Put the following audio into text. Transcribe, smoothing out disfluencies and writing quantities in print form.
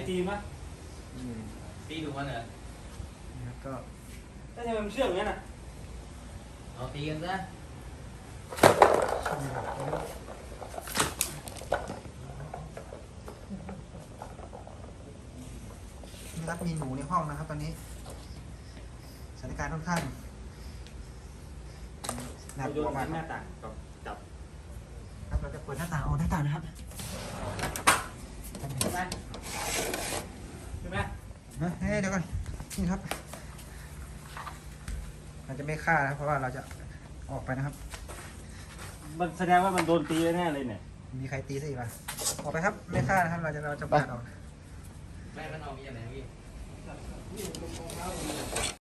ตีมั้ยตีดูมันเหรอนะครับก็ถ้าจะมันเชื่องงั้นน่ะเอาตีกันซะนะครับมีหนูในห้องนะครับตอนนี้สถานการณ์ค่อนข้างน่ากโยลัวน มากหน้าต่างกับจับครับเราจะเปิดหน้าต่างออกหน้าต่างนะครับใช่ไหมใช่ไหมนะเดี๋ยวก่อนนี่ครับเราจะไม่ฆ่านะเพราะว่าเราจะออกไปนะครับมันแสดงว่ามันโดนตีแน่เลยเนี่ยมีใครตีซะอีกป่ะออกไปครับไม่ฆ่านะครับเราจะปาดออกแม่มันเอามีอะไรพี่